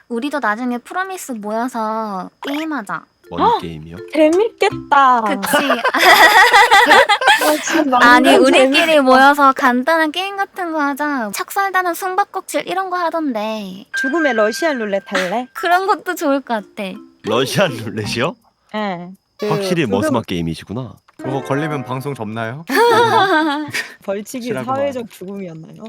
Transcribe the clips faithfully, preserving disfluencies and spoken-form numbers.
우리도 나중에 프로미스 모여서 게임하자. 뭔 게임이요? 재밌겠다. 그치? 어, 진짜 아니 완전 우리끼리 재밌- 모여서 간단한 게임 같은 거 하자. 척살다는 숨바꼭질 이런 거 하던데 죽음의 러시안 룰렛 할래? 그런 것도 좋을 것 같아. 러시안 룰렛이요? 예. 그 확실히 죽음 머스맛 게임이시구나. 그거 걸리면 방송 접나요? 벌칙이 싫어하구만. 사회적 죽음이었나요?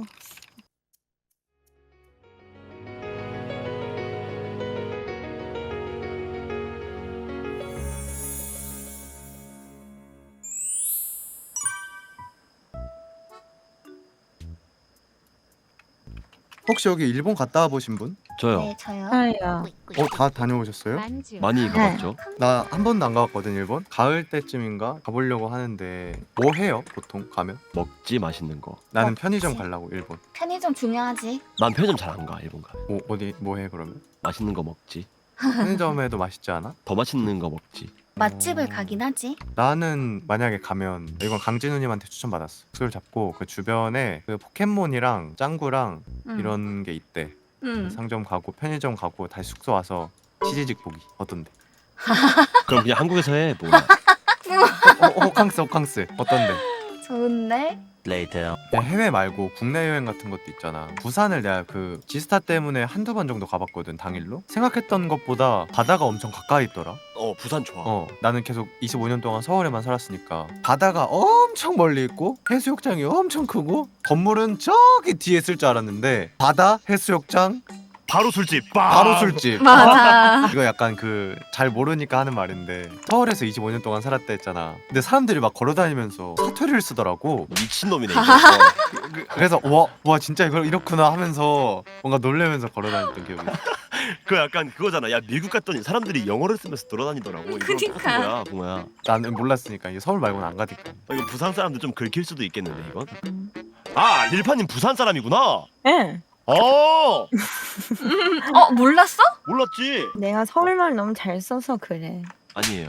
혹시 여기 일본 갔다 와보신 분? 저요. 네 저요. 아야. 어, 다 다녀오셨어요? 많이 가봤죠. 나 한 번도 안 가봤거든 일본. 가을 때쯤인가 가보려고 하는데 뭐 해요 보통 가면? 먹지 맛있는 거. 나는 먹지. 편의점 가려고 일본. 편의점 중요하지. 난 편의점 잘 안 가. 일본 가. 뭐 어디 뭐 해 그러면? 맛있는 거 먹지. 편의점에도 맛있지 않아? 더 맛있는 거 먹지. 맛집을 가긴 하지. 나는 만약에 가면 이건 강진우님한테 추천받았어. 술 잡고 그 주변에 그 포켓몬이랑 짱구랑 응. 이런 게 있대. 응. 상점 가고 편의점 가고 다시 숙소 와서 치즈직 보기 어떤데? 그럼 그냥 한국에서 해. 뭐야. 어, 어, 호캉스 호캉스 어떤데? 좋은데? 레이터. 그냥 해외 말고 국내 여행 같은 것도 있잖아. 부산을 내가 그 지스타 때문에 한두 번 정도 가봤거든 당일로. 생각했던 것보다 바다가 엄청 가까이 있더라. 어 부산 좋아. 어 나는 계속 이십오 년 동안 서울에만 살았으니까 바다가 엄청 멀리 있고 해수욕장이 엄청 크고 건물은 저기 뒤에 있을 줄 알았는데 바다 해수욕장 바로 술집. 빵! 바로 술집. 맞아. 이거 약간 그 잘 모르니까 하는 말인데 서울에서 이십오 년 동안 살았다 했잖아. 근데 사람들이 막 걸어다니면서 사투리를 쓰더라고. 미친놈이네. 이거. 그- 그래서 와, 와 진짜 이걸 이렇구나 하면서 뭔가 놀래면서 걸어다녔던 기억이 있어. 그 약간 그거잖아. 야 미국 갔더니 사람들이 영어를 쓰면서 돌아다니더라고. 이거 그니까. 똑같은 거야, 붕어야. 나는 몰랐으니까 이게 서울 말고는 안 가니까. 어, 이거 부산 사람들 좀 긁힐 수도 있겠는데 이건. 아 릴파님 부산 사람이구나. 예. 어 어 몰랐어? 몰랐지. 내가 서울말 너무 잘 써서 그래. 아니에요.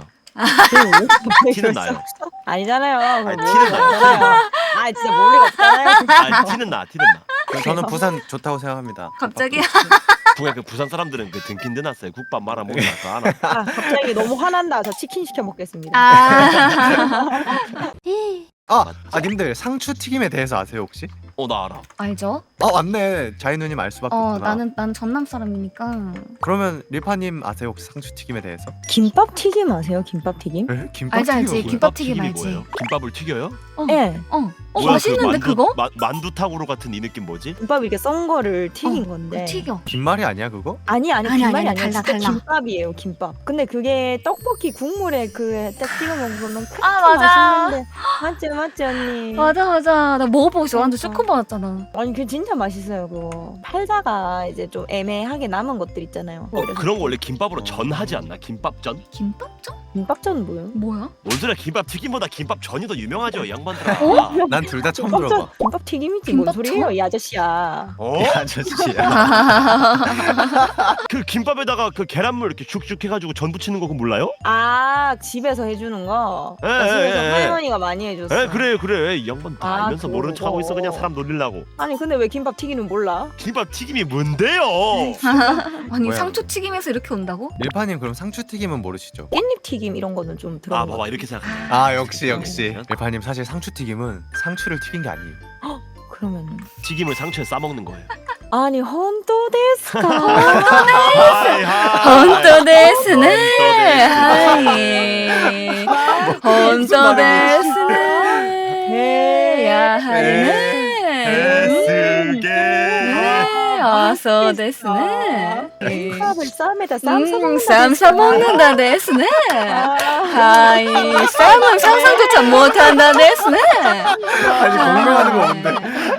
그 티는 나요. 아니잖아요. 아니, 그거 티는 나요. 아니잖아요. 아 진짜 몰리가 없잖아요. 아 티는 나 티는 나. 그럼 저는 부산 좋다고 생각합니다. 갑자기? 붕어 그 부산 사람들은 그 등긴 드났어요. 국밥 말아 먹으면 다 알아. 아 갑자기 너무 화난다. 저 치킨 시켜 먹겠습니다. 아. 아, 맞지. 아 님들 상추 튀김에 대해서 아세요 혹시? 어 나 알아. 알죠? 아 맞네. 자이 누님 알 수밖에 어 없구나. 나는 난 전남 사람이니까. 그러면 리파님 아세요 혹시 상추 튀김에 대해서? 김밥 튀김 아세요? 김밥 튀김? 에? 김밥 알지, 알지. 튀김이 김밥 뭐야? 튀김 튀김이 알지. 뭐예요? 김밥을 튀겨요? 어. 예. 어. 어 뭐야, 맛있는데 그 만두, 그거? 마, 만두탕으로 같은 이 느낌 뭐지? 김밥 이렇게 썬 거를 튀긴 어, 건데. 튀겨. 김말이 아니야 그거? 아니 아니 아니, 김말이 아니, 아니, 야 달라, 진짜 달라. 김밥이에요 김밥. 근데 그게 떡볶이 국물에 그딱 찍어 먹으면 그렇게 아, 맞아. 맛있는데 맞죠 맞죠 언니. 맞아 맞아. 나 먹어보고 싶어. 완전 그러니까. 쇼크 받았잖아. 아니 그 진짜 맛있어요 그거. 팔다가 이제 좀 애매하게 남은 것들 있잖아요. 어, 그런 거 원래 김밥으로 전하지 않나? 김밥전? 김밥전? 김밥전 뭐예요? 뭐야? 뭔 소리야? 김밥 튀김보다 김밥 전이 더 유명하죠, 이 양반들아. 어? 난 둘 다 처음 김밥전 들어봐. 김밥 튀김이지 뭔 김밥전? 소리예요 이 아저씨야. 어? 이 아저씨야. 그 김밥에다가 그 계란물 이렇게 슉슉 해가지고 전 부치는 거 그거 몰라요? 아 집에서 해주는 거. 예, 나 집에서 예, 예. 할머니가 많이 해줬어. 에 그래 그래 이 양반 다 아, 알면서 모르는 척하고 있어. 그냥 그거. 사람 놀리려고. 아니 근데 왜 김밥 튀기는 몰라? 김밥 튀김이 뭔데요? 아니 뭐야, 상추 튀김에서 이렇게 온다고? 리파님 그럼 상추 튀김은 모르시죠? 깻잎 튀김 이런 거는 좀 들어. 아 봐봐 이렇게 생각해. 아 역시 역시. 어? 리파님 사실 상추 튀김은 상추를 튀긴 게 아니에요. 그러면 튀김을 상추에 싸 먹는 거예요. 아니 헌또 데스까? 하이, 하이. 헌또 데스네. 헌또 하이. 헌또 데스네. 야 하이네. 에스게. 네, 어서 데스네. 콩밥을 쌈에다 쌈 싸 음, 먹는다. 쌈 싸먹는다 데스네. 하이, 쌈은 상상조차 못한다 데스네. 아니 공명하는 거 없는데.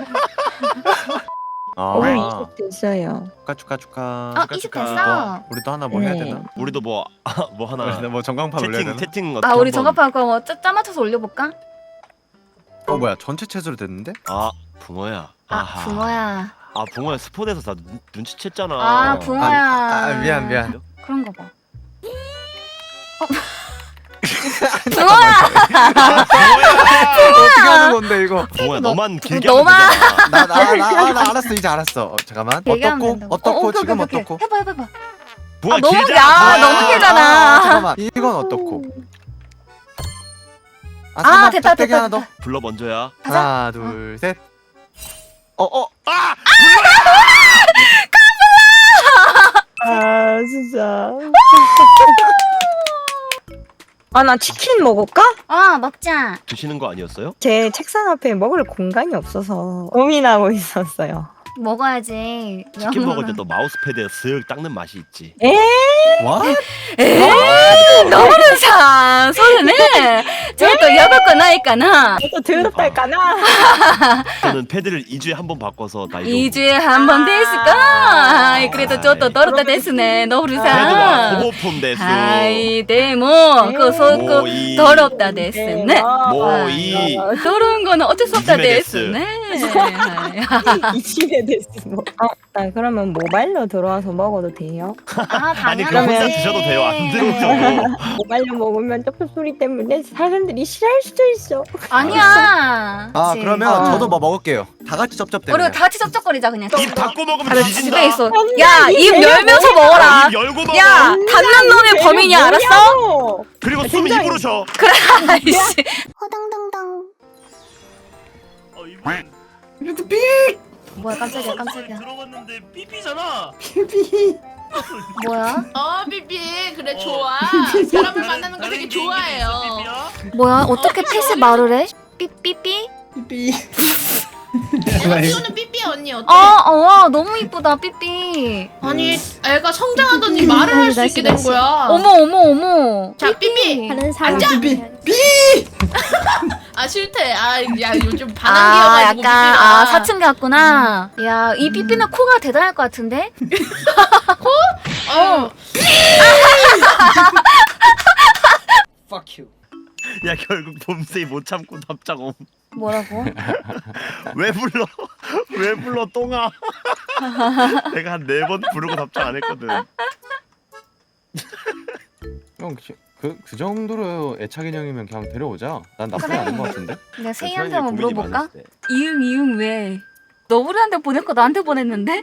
오 아 이십 됐어요. 축하 축하 축하. 어, 축하, 이십 축하. 됐어. 우리도 하나 뭐 해야 네. 되나? 우리도 뭐 뭐 하나 뭐 전광판 올려야 채팅 되나? 채팅 아, 어떻게 우리 한번- 저갑판 그거 뭐 짜, 짜 맞춰서 올려볼까? 어 뭐야 전체 채소로 됐는데? 아 붕어야. 아, 아하. 붕어야. 아 붕어야 스폰에서 다 눈, 눈치챘잖아. 아, 붕어야. 아, 아 미안 미안. 그런 거 봐. 어떻게 하는 건데 이거? 붕어야 너- 너만 길게 너만- 하면 되잖아. 나 나 나 나 알았어 이제 알았어. 어, 잠깐만. 얘기하면 어떻고 된다고. 어떻고 어, 오케이, 지금 오케이, 오케이. 어떻고? 해봐 해봐 해봐. 붕어 아, 너무 길잖아. 야, 붕어야. 너무 길잖아. 아, 잠깐만. 이건 어떻고? 아, 아, 잠깐만. 됐다, 빽빽이 됐다, 하나 더. 불러 먼저야. 가자. 하나 둘 셋. 어 어. 아! 아 진짜. 아 나 치킨 먹을까? 어 먹자. 드시는 거 아니었어요? 제 책상 앞에 먹을 공간이 없어서 고민하고 있었어요. 먹어야지. 치킨 먹을 때 또 마우스패드에 쓱 닦는 맛이 있지. 와? 너무는 사 소리네. 저또 여덟 거 나니까나 또 더럽달까나? 저는 패드를 이 주에 한 번 바꿔서 나이 이 주에 한 번 됐을까? 아이, 그래도 저또 더럽다 됐으네. 너무는 패드와 사. 호모폼 대수. 아이 데모 그 소그 모이. 더럽다 됐네. 모이. 아, 더러운 거는 어쩔 수 없다 이지메 데스. 됐네. 이 집에 됐어. 뭐. 어, 나 그러면 모바일로 들어와서 먹어도 돼요? 아 아니 그럼 혼자 당연하지. 드셔도 돼요. 안 되죠. 모바일로 먹으면 떡 소리 때문에 사람들이 싫어할 수도 있어. 아니야. 아 그치. 그러면 어. 저도 뭐 먹을게요. 다 같이 쩝쩝 우리 때문에. 다 같이 쩝쩝거리자 그냥. 입 닫고 먹으면 다들 뒤진다. 집에 있어. 아니, 야, 입 입 열고 열면서 먹어라. 입 열고 먹어. 야, 닫는 놈이 범인이야, 알았어? 뭐냐고! 그리고 숨 굉장히- 입으로 쉬어. 아이씨. 호당당당. 어, 이분 이것도 삐! 뭐야, 깜짝이야, 깜짝이야. 들어봤는데 삐삐잖아. 뭐야? 어 삐삐 그래 좋아. 사람을 만나는 거 되게 좋아해요. 뭐야? 어떻게 핏이 말을 해? 삐삐삐? 삐. 내가 키우는 삐삐 언니 어때? 어, 어, 와, 너무 이쁘다, 삐삐. 아니 애가 성장하더니 말을 할 수 있게 된 거야. 어머, 어머, 어머. 자 삐삐. 하는 앉아. 삐. 아 싫대. 아야 요즘 아, 반항기여가지고 약간, 삐삐가. 아, 사춘기 같구나. 야, 이 삐삐는 코가 대단할 것 같은데? 어. Fuck you. 야 결국 봄새이 못 참고 답장 옴. 뭐라고? 왜 불러? 왜 불러 똥아? 내가 한 네 번 부르고 답장 안 했거든. 형그그 그 정도로 애착 인형이면 그냥 데려오자. 난 나쁘지 그래. 않은 것 같은데. 내가 세이한테 한번 고민이 물어볼까? 많았을 때. 이응, 이응 왜? 너구리한테 보냈고 나한테 보냈는데?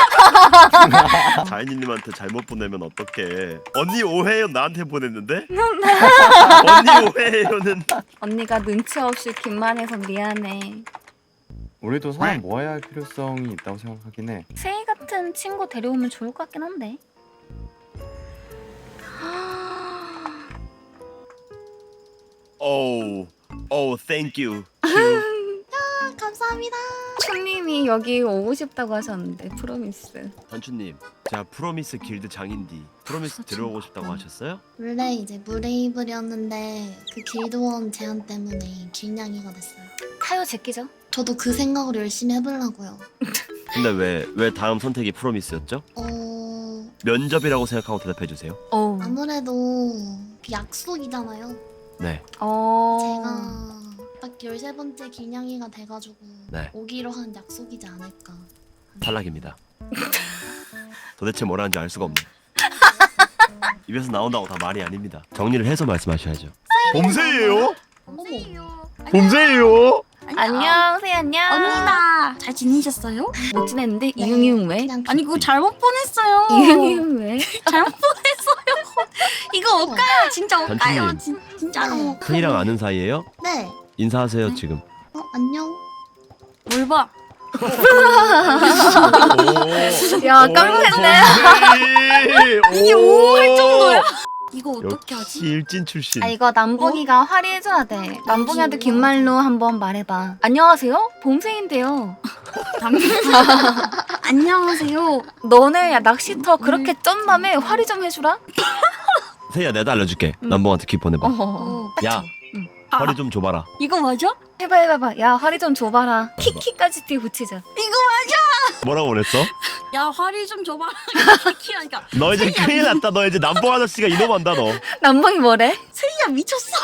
자연이님한테 잘못 보내면 어떡해. 언니 오해요 나한테 보냈는데? 언니 오해요는 언니가 눈치 없이 긴말해서 미안해. 우리도 사람 모아야 할 필요성이 있다고 생각하긴 해. 세이 같은 친구 데려오면 좋을 것 같긴 한데. 오우 오우 땡큐. 감사합니다. 춘님이 여기 오고 싶다고 하셨는데 프로미스. 단추님 제가 프로미스 길드 장인디 프로미스 들어오고 싶다고 하셨어요? 원래 이제 무레이블이었는데 그 길드원 제한 때문에 길냥이가 됐어요. 타요 제끼죠? 저도 그 생각으로 열심히 해보려고요. 근데 왜 왜 다음 선택이 프로미스였죠? 어 면접이라고 생각하고 대답해 주세요. 어. 아무래도 그 약속이잖아요. 네. 어. 제가 딱 열세 번째 길냥이가 돼가지고 네. 오기로 한 약속이지 않을까. 탈락입니다. 도대체 뭐라는지 알 수가 없네. 입에서 나온다고 다 말이 아닙니다. 정리를 해서 말씀하셔야죠. 봄새예요? 봄새예요? 안녕 세이 안녕. 언니다 잘 지내셨어요? 못 지냈는데 이응 이응 왜? 그냥 아니 그거 잘못 보냈어요. 이응 이응 왜? 잘못 보냈어요. 이거 올까요? 진짜 올까요? 단추님. 진, 진짜로. 네. 큰이랑 아는 사이예요? 네. 인사하세요 지금. 어 안녕. 뭘 봐? 야 깜놀했네. 이게 오할 정도야? 이거 어떻게 역시 하지? 일진 출신. 아 이거 남봉이가 화리해줘야 돼. 남봉이한테 긴 말로 한번 말해봐. 안녕하세요 봄새인데요. 안녕하세요. 너네 야 낚시터 그렇게 쩐다며 화리 좀 해주라. 세희야 내가 알려줄게. 남봉한테 퀴 보내봐. 어. 야 아, 허리 좀 줘봐라. 이거 맞아? 해봐 해봐봐. 야 화리 좀 줘봐라. 키키까지 뒤에 붙이자. 이거 뭐라고 보냈어? 야 화리 좀 줘봐. 키키하니까 너 이제 큰일 났다. 너 이제 남봉 아저씨가 이놈한다 너. 남봉이 뭐래? 세이야 미쳤어.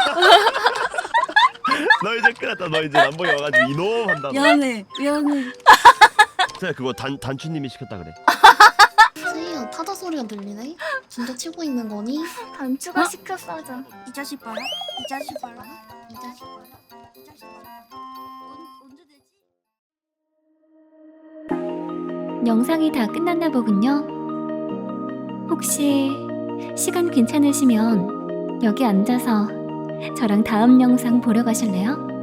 너 이제 큰일 났다. 너 이제 남봉이 와가지고 이놈한다 너. 미안해 미안해. 세희야 그거 단 단추님이 시켰다 그래. 세이야 타자 소리가 들리네? 진짜 치고 있는 거니? 단추가 시켰어 하자. 이 자식 봐라. 이 자식 봐라. 이 자식 봐라. 이 자식 봐라. 언- 언제 되지? 영상이 다 끝났나 보군요. 혹시 시간 괜찮으시면 여기 앉아서 저랑 다음 영상 보러 가실래요?